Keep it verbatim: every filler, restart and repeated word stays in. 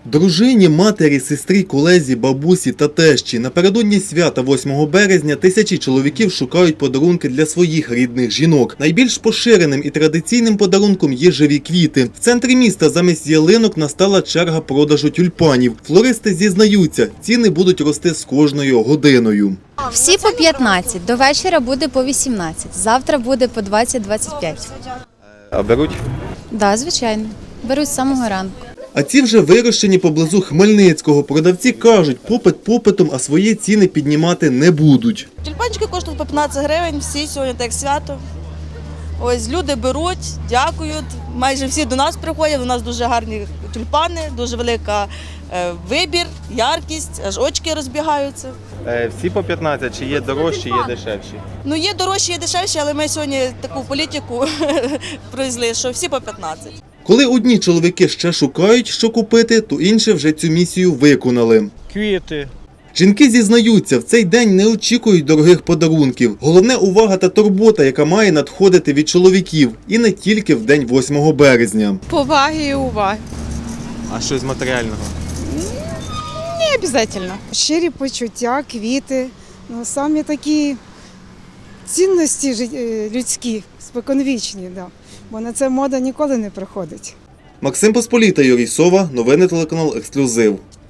Дружині, матері, сестрі, колезі, бабусі та тещі. Напередодні свята восьмого березня тисячі чоловіків шукають подарунки для своїх рідних жінок. Найбільш поширеним і традиційним подарунком є живі квіти. В центрі міста замість ялинок настала черга продажу тюльпанів. Флористи зізнаються, ціни будуть рости з кожною годиною. Всі по п'ятнадцять, до вечора буде по вісімнадцять, завтра буде по двадцять - двадцять п'ять. А беруть? Так, да, звичайно, беруть з самого ранку. А ці вже вирощені поблизу Хмельницького. Продавці кажуть, попит попитом, а свої ціни піднімати не будуть. Тюльпанчики коштують по п'ятнадцять гривень, всі сьогодні так свято. Ось люди беруть, дякують, майже всі до нас приходять, у нас дуже гарні тюльпани, дуже велика е, вибір, яркість, аж очки розбігаються. Е, всі по п'ятнадцять, чи є дорожчі, є дешевші? Ну є дорожчі, є дешевші, але ми сьогодні таку політику провезли, що всі по п'ятнадцять. Коли одні чоловіки ще шукають, що купити, то інші вже цю місію виконали. Квіти. Жінки зізнаються, в цей день не очікують дорогих подарунків. Головне – увага та турбота, яка має надходити від чоловіків. І не тільки в день восьмого березня. Поваги і уваги. А що з матеріального? Не обов'язково. Щирі почуття, квіти, ну, самі такі цінності жит- людські, споконвічні, да. Бо на це мода ніколи не приходить. Максим Посполіта, Юрій Сова, новини телеканал «Ексклюзив».